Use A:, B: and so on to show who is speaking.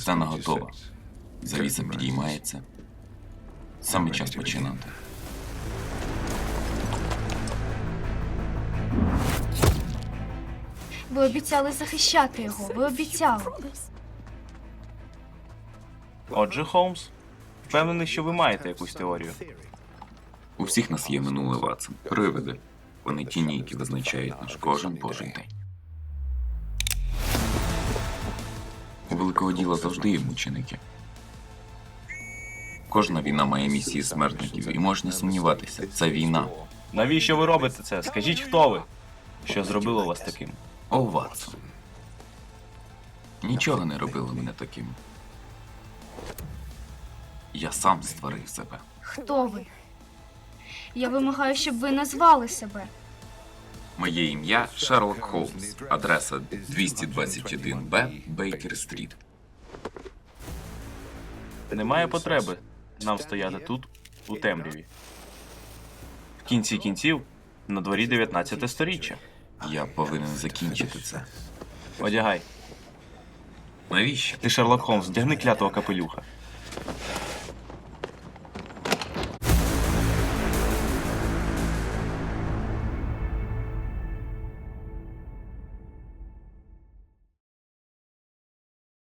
A: Сцена готова. Завіса підіймається. Саме час починати.
B: Ви обіцяли захищати його. Ви обіцяли.
C: Отже, Холмс, впевнений, що ви маєте якусь теорію.
A: У всіх нас є минуле, Ватсон. Привиди. Вони тіні, які визначають наш кожен божий день. У великого діла завжди є мученики. Кожна війна має місії смертників, і можна сумніватися, це війна.
C: Навіщо ви робите це? Скажіть, хто ви? Що зробило вас таким?
A: О, Ватсон. Нічого не робило мене таким. Я сам створив себе.
B: Хто ви? Я вимагаю, щоб ви назвали себе.
A: Моє ім'я Шерлок Холмс. Адреса 221Б, Бейкер-стріт.
C: Немає потреби нам стояти тут, у темряві. В кінці кінців, на дворі 19 сторіччя.
A: Я повинен закінчити це.
C: Одягай.
A: Навіщо?
C: Ти, Шерлок Холмс, вдягни клятого капелюха.